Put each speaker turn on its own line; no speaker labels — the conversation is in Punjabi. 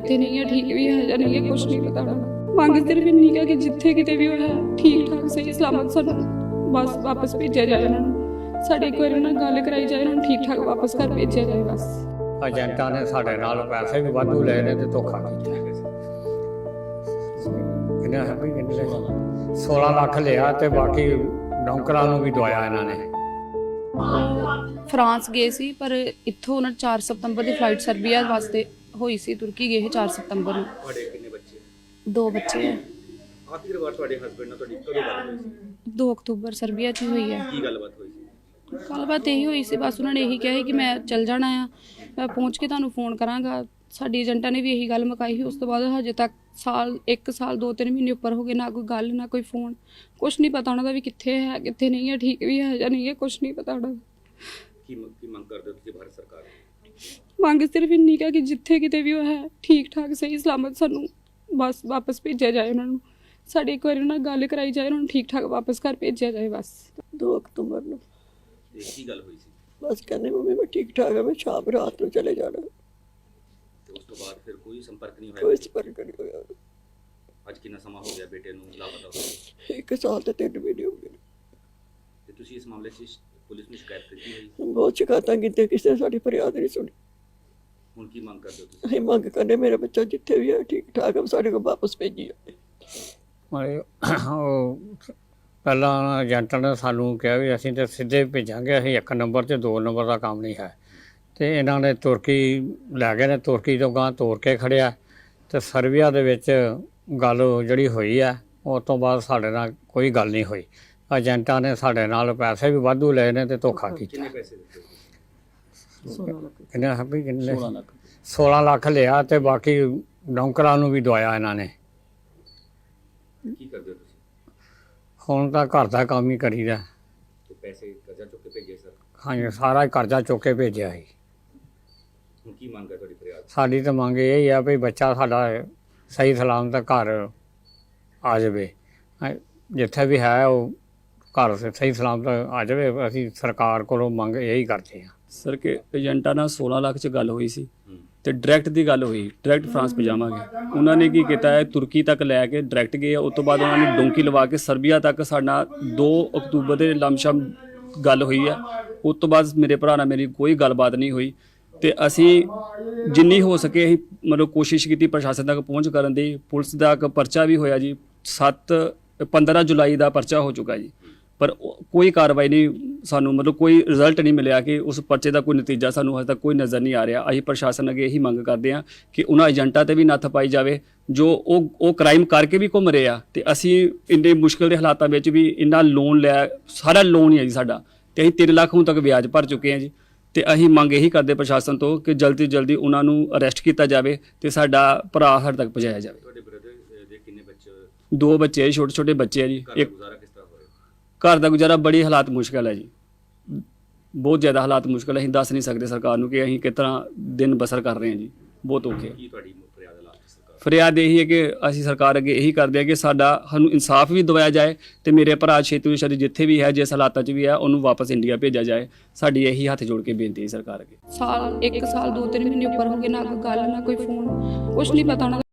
कितने नहीं है, ठीक भी है या नहीं है, कुछ नहीं पता। मांग सिर्फ इन्नी है कि जिथे किते भी है ठीक ठाक सही सलामत सानू बस वापस भेजा जाए, उन्होंने साढ़े एक बार उन्होंने गल कराई जाए, उन्होंने ठीक ठाक वापस घर भेजा जाए बस।
ਏਜੰਟਾਂ ਨੇ ਸਾਡੇ ਨਾਲ ਪੈਸੇ ਵੀ ਵਾਧੂ ਲਏ ਨੇ ਤੇ ਧੋਖਾ ਕੀਤਾ। ਕਿੰਨਾ ਹੈ ਵੀ ਕਿੰਨੇ 16 ਲੱਖ ਲਿਆ ਤੇ ਬਾਕੀ ਨੌਕਰਾਂ ਨੂੰ ਵੀ ਦਵਾਇਆ ਇਹਨਾਂ ਨੇ।
ਫਰਾਂਸ ਗਏ ਸੀ ਪਰ ਇੱਥੋਂ ਉਹਨਾਂ 4 ਸਤੰਬਰ ਦੀ ਫਲਾਈਟ ਸਰਬੀਆ ਵਾਸਤੇ ਹੋਈ ਸੀ, ਤੁਰਕੀ ਗਏ 4 ਸਤੰਬਰ ਨੂੰ।
ਤੁਹਾਡੇ ਕਿੰਨੇ ਬੱਚੇ?
2 ਬੱਚੇ ਹੈ।
ਆਖਿਰ ਵਾਰ ਤੁਹਾਡੇ ਹਸਬੰਡ ਨਾਲ ਤੁਹਾਡੀ ਕਦੋਂ ਗੱਲ ਹੋਈ ਸੀ?
2 ਅਕਤੂਬਰ ਸਰਬੀਆ 'ਚ ਹੀ ਹੋਈ ਹੈ।
ਕੀ ਗੱਲਬਾਤ ਹੋਈ ਸੀ?
ਗੱਲਬਾਤ ਇਹੀ ਹੋਈ ਸੀ, ਬਸ ਉਹਨਾਂ ਨੇ ਇਹੀ ਕਿਹਾ ਸੀ ਕਿ ਮੈਂ ਚੱਲ ਜਾਣਾ ਆ, ਮੈਂ ਪਹੁੰਚ ਕੇ ਤੁਹਾਨੂੰ ਫੋਨ ਕਰਾਂਗਾ। ਸਾਡੀ ਏਜੰਟਾਂ ਨੇ ਵੀ ਇਹੀ ਗੱਲ ਮੁਕਾਈ ਸੀ। ਉਸ ਤੋਂ ਬਾਅਦ ਹਜੇ ਤੱਕ 1 ਸਾਲ 2-3 ਮਹੀਨੇ ਉੱਪਰ ਹੋ ਗਏ, ਨਾ ਕੋਈ ਗੱਲ ਨਾ ਕੋਈ ਫੋਨ, ਕੁਛ ਨਹੀਂ ਪਤਾ ਉਹਨਾਂ ਦਾ ਵੀ ਕਿੱਥੇ ਹੈ ਕਿੱਥੇ ਨਹੀਂ ਹੈ, ਠੀਕ ਵੀ ਹੈ ਜਾਂ ਨਹੀਂ ਹੈ, ਕੁਛ ਨਹੀਂ ਪਤਾ ਉਹਨਾਂ ਦਾ।
ਕੀ ਮੰਗ ਕਰਦੇ ਹੋ ਤੁਸੀਂ ਭਾਰਤ ਸਰਕਾਰ ਤੋਂ?
ਮੰਗ ਸਿਰਫ ਇੰਨੀ ਹੈ ਕਿ ਜਿੱਥੇ ਕਿਤੇ ਵੀ ਉਹ ਹੈ ਠੀਕ ਠਾਕ ਸਹੀ ਸਲਾਮਤ ਸਾਨੂੰ ਬਸ ਵਾਪਸ ਭੇਜਿਆ ਜਾਏ, ਉਹਨਾਂ ਨੂੰ ਸਾਡੀ ਇੱਕ ਵਾਰੀ ਉਹਨਾਂ ਨਾਲ ਗੱਲ ਕਰਾਈ ਜਾਏ, ਉਹਨਾਂ ਨੂੰ ਠੀਕ ਠਾਕ ਵਾਪਸ ਘਰ ਭੇਜਿਆ ਜਾਏ ਬਸ।
2 ਅਕਤੂਬਰ ਨੂੰ
ਕੀ ਗੱਲ ਹੋਈ ਸੀ?
ਬਸ ਕਹਿੰਦੇ ਮੰਮੀ ਮੈਂ ਠੀਕ ਠਾਕ ਹਾਂ, ਮੈਂ ਸ਼ਾਮ ਰਾਤ ਨੂੰ ਚਲੇ ਜਾਣਾ।
ਤੇ ਉਸ ਤੋਂ ਬਾਅਦ ਫਿਰ ਕੋਈ ਸੰਪਰਕ ਨਹੀਂ
ਕੋਈ
ਹੋਇਆ?
ਸੰਪਰਕ ਨਹੀਂ ਹੋਇਆ।
ਅੱਜ ਕਿੰਨਾ ਸਮਾਂ ਹੋ ਗਿਆ ਬੇਟੇ ਨੂੰ ਲਾਪਤਾ ਹੋਏ?
1 ਸਾਲ ਤੇ 3 ਮਹੀਨੇ ਹੋ ਗਏ।
ਤੇ ਤੁਸੀਂ ਇਸ ਮਾਮਲੇ 'ਚ ਪੁਲਿਸ ਨੂੰ ਸ਼ਿਕਾਇਤ ਕੀਤੀ ਹੋਈ?
ਬਹੁਤ ਸ਼ਿਕਾਇਤਾਂ ਕੀਤੀਆਂ, ਕਿਸੇ ਨੇ ਸਾਡੀ ਫਰਿਆਦ ਨਹੀਂ ਸੁਣੀ।
ਹੁਣ ਕੀ ਮੰਗ ਕਰਦੇ ਹੋ ਤੁਸੀਂ?
ਅਸੀਂ ਮੰਗ ਕਰਨੇ ਮੇਰਾ ਬੱਚਾ ਜਿੱਥੇ ਵੀ ਹੈ ਠੀਕ ਠਾਕ ਹੈ, ਸਾਡੇ ਕੋਲ ਵਾਪਸ ਭੇਜੀ ਜਾਵੇ।
ਉਹ ਪਹਿਲਾਂ ਏਜੰਟਾਂ ਨੇ ਸਾਨੂੰ ਕਿਹਾ ਵੀ ਅਸੀਂ ਤਾਂ ਸਿੱਧੇ ਭੇਜਾਂਗੇ, ਅਸੀਂ 1 ਨੰਬਰ ਤੇ 2 ਨੰਬਰ ਦਾ ਕੰਮ ਨਹੀਂ ਹੈ। ਤੇ ਇਹਨਾਂ ਨੇ ਤੁਰਕੀ ਲੈ ਗਏ ਨੇ, ਤੁਰਕੀ ਤੋਂ ਗਾਂ ਤੋਰ ਕੇ ਖੜਿਆ ਤੇ ਸਰਬੀਆ ਦੇ ਵਿੱਚ ਗੱਲ ਜਿਹੜੀ ਹੋਈ ਹੈ ਉਸ ਤੋਂ ਬਾਅਦ ਸਾਡੇ ਨਾਲ ਕੋਈ ਗੱਲ ਨਹੀਂ ਹੋਈ। ਏਜੰਟਾਂ ਨੇ ਸਾਡੇ ਨਾਲ ਪੈਸੇ ਵੀ ਵਾਧੂ ਲਏ ਨੇ ਤੇ ਧੋਖਾ ਕੀਤਾ।
ਕਿੰਨੇ ਪੈਸੇ ਦਿੱਤੇ?
ਕਿੰਨਾ ਹੈ ਵੀ ਕਿੰਨੇ 16 ਲੱਖ ਲਿਆ ਤੇ ਬਾਕੀ ਨੌਕਰਾਂ ਨੂੰ ਵੀ ਦਵਾਇਆ ਇਹਨਾਂ ਨੇ।
ਕੀ ਕਰਦੇ ਹੋ ਤੁਸੀਂ?
ਹੁਣ ਤਾਂ ਘਰ ਦਾ ਕੰਮ ਹੀ ਕਰੀਦਾ।
ਤੇ ਪੈਸੇ ਕਰਜ਼ਾ ਚੁੱਕ ਕੇ ਭੇਜੇ ਸਰ?
ਹਾਂਜੀ, ਸਾਰਾ ਹੀ ਕਰਜ਼ਾ ਚੁੱਕ ਕੇ ਭੇਜਿਆ ਸੀ।
ਹੁਣ ਕੀ ਮੰਗ ਹੈ ਤੁਹਾਡੀ ਫਰਿਆਦ?
ਸਾਡੀ ਤਾਂ ਮੰਗ ਇਹ ਹੀ ਆ ਵੀ ਬੱਚਾ ਸਾਡਾ ਸਹੀ ਸਲਾਮਤ ਘਰ ਆ ਜਾਵੇ, ਜਿੱਥੇ ਵੀ ਹੈ ਉਹ ਘਰ ਸਹੀ ਸਲਾਮਤ ਆ ਜਾਵੇ। ਅਸੀਂ ਸਰਕਾਰ ਕੋਲੋਂ ਮੰਗ ਇਹੀ ਕਰਦੇ ਹਾਂ
ਸਰ ਕਿ ਏਜੰਟਾਂ ਨਾਲ 16 ਲੱਖ 'ਚ ਗੱਲ ਹੋਈ ਸੀ ਤੇ ਡਾਇਰੈਕਟ ਦੀ ਗੱਲ ਹੋਈ, ਡਾਇਰੈਕਟ ਫਰਾਂਸ ਪਜਾਵਾਂਗੇ। ਉਹਨਾਂ ਨੇ ਕੀ ਕੀਤਾ ਹੈ, ਤੁਰਕੀ ਤੱਕ ਲੈ ਕੇ ਡਾਇਰੈਕਟ ਗਏ। ਉਸ ਤੋਂ ਬਾਅਦ ਉਹਨਾਂ ਨੇ ਡੋਂਕੀ ਲਵਾ ਕੇ ਸਰਬੀਆ ਤੱਕ ਸਾਡਾ 2 ਅਕਤੂਬਰ ਦੇ ਲਮਸ਼ਮ ਗੱਲ ਹੋਈ ਹੈ। ਉਸ ਤੋਂ ਬਾਅਦ ਮੇਰੇ ਭਰਾ ਨਾਲ ਮੇਰੀ ਕੋਈ ਗੱਲਬਾਤ ਨਹੀਂ ਹੋਈ ਤੇ ਅਸੀਂ ਜਿੰਨੀ ਹੋ ਸਕੇ ਅਸੀਂ ਮਤਲਬ ਕੋਸ਼ਿਸ਼ ਕੀਤੀ ਪ੍ਰਸ਼ਾਸਨ ਤੱਕ ਪਹੁੰਚ ਕਰਨ ਦੀ। ਪੁਲਿਸ ਦਾ ਇੱਕ ਪਰਚਾ ਵੀ ਹੋਇਆ ਜੀ, 15 ਜੁਲਾਈ ਦਾ ਪਰਚਾ ਹੋ ਚੁੱਕਾ ਜੀ, ਪਰ ਕੋਈ ਕਾਰਵਾਈ ਨਹੀਂ, ਸਾਨੂੰ ਮਤਲਬ ਕੋਈ ਰਿਜ਼ਲਟ ਨਹੀਂ ਮਿਲਿਆ ਕਿ ਉਸ ਪਰਚੇ ਦਾ ਕੋਈ ਨਤੀਜਾ ਸਾਨੂੰ ਹਜੇ ਤੱਕ ਕੋਈ ਨਜ਼ਰ ਨਹੀਂ ਆ ਰਿਹਾ। ਅਸੀਂ ਪ੍ਰਸ਼ਾਸਨ ਅੱਗੇ ਇਹੀ ਮੰਗ ਕਰਦੇ ਹਾਂ ਕਿ ਉਹਨਾਂ ਏਜੰਟਾਂ ਤੇ ਵੀ ਨੱਥ ਪਾਈ ਜਾਵੇ ਜੋ ਉਹ ਕ੍ਰਾਈਮ ਕਰਕੇ ਵੀ ਘੁੰਮ ਰਹੇ ਆ। ਤੇ ਅਸੀਂ ਇੰਨੇ ਮੁਸ਼ਕਿਲ ਦੇ ਹਾਲਾਤਾਂ ਵਿੱਚ ਵੀ ਇੰਨਾ ਲੋਨ ਲਿਆ, ਸਾਰਾ ਲੋਨ ਹੀ ਹੈ ਜੀ ਸਾਡਾ, ਤੇ ਅਸੀਂ 3 ਲੱਖ ਹੁਣ ਤੱਕ ਵਿਆਜ ਭਰ ਚੁੱਕੇ ਹਾਂ ਜੀ। ਤੇ ਅਸੀਂ ਮੰਗ ਇਹੀ ਕਰਦੇ ਪ੍ਰਸ਼ਾਸਨ ਤੋਂ ਕਿ ਜਲਦੀ ਤੋਂ ਜਲਦੀ ਉਹਨਾਂ ਨੂੰ ਅਰੈਸਟ ਕੀਤਾ ਜਾਵੇ ਤੇ ਸਾਡਾ ਭਰਾ ਸਾਡੇ ਤੱਕ ਪਹੁੰਚਾਇਆ ਜਾਵੇ।
ਤੁਹਾਡੇ ਬ੍ਰਦਰ ਦੇ ਕਿੰਨੇ ਬੱਚੇ?
2 ਬੱਚੇ ਛੋਟੇ ਛੋਟੇ ਬੱਚੇ ਆ ਜੀ।
ਘਰ ਦਾ
ਇੱਕ
ਗੁਜ਼ਾਰਾ ਕਿਸ ਤਰ੍ਹਾਂ ਹੋ ਰਿਹਾ?
ਘਰ ਦਾ ਗੁਜ਼ਾਰਾ ਬੜੀ ਹਾਲਾਤ ਮੁਸ਼ਕਲ ਹੈ ਜੀ, ਬਹੁਤ ਜ਼ਿਆਦਾ ਹਾਲਾਤ ਮੁਸ਼ਕਲ ਹੈ। ਅਸੀਂ ਦੱਸ ਨਹੀਂ ਸਕਦੇ ਸਰਕਾਰ ਨੂੰ ਕਿ ਅਸੀਂ ਕਿਸ ਤਰ੍ਹਾਂ ਦਿਨ ਬਸਰ ਕਰ ਰਹੇ ਹਾਂ ਜੀ, ਬਹੁਤ ਔਖੇ।
ਕੀ ਤੁਹਾਡੀ ਫਰਿਆਦ ਹੈ ਲਾਸਟ ਸਰਕਾਰ?
ਫਰਿਆਦ ਇਹੀ ਹੈ ਕਿ ਅਸੀਂ ਸਰਕਾਰ ਅੱਗੇ ਇਹੀ ਕਰਦੇ ਹਾਂ ਕਿ ਸਾਨੂੰ ਇਨਸਾਫ ਵੀ ਦਿਵਾਇਆ ਜਾਏ ਤੇ ਮੇਰੇ ਭਰਾ ਛੇਤੀ ਤੋਂ ਛੇਤੀ ਜਿੱਥੇ ਵੀ ਹੈ, ਜਿਸ ਹਾਲਾਤਾਂ 'ਚ ਵੀ ਹੈ, ਉਹਨੂੰ ਵਾਪਸ ਇੰਡੀਆ ਭੇਜਿਆ ਜਾਏ। ਸਾਡੀ ਇਹੀ ਹੱਥ ਜੋੜ ਕੇ ਬੇਨਤੀ ਹੈ ਸਰਕਾਰ ਅੱਗੇ।
1 ਸਾਲ 2-3 ਮਹੀਨੇ ਉੱਪਰ ਹੋ ਗਏ, ਨਾ ਕੋਈ ਗੱਲ ਨਾ ਕੋਈ ਫੋਨ, ਕੁਛ ਨਹੀਂ ਪਤਾ ਉਹਨਾਂ ਦਾ।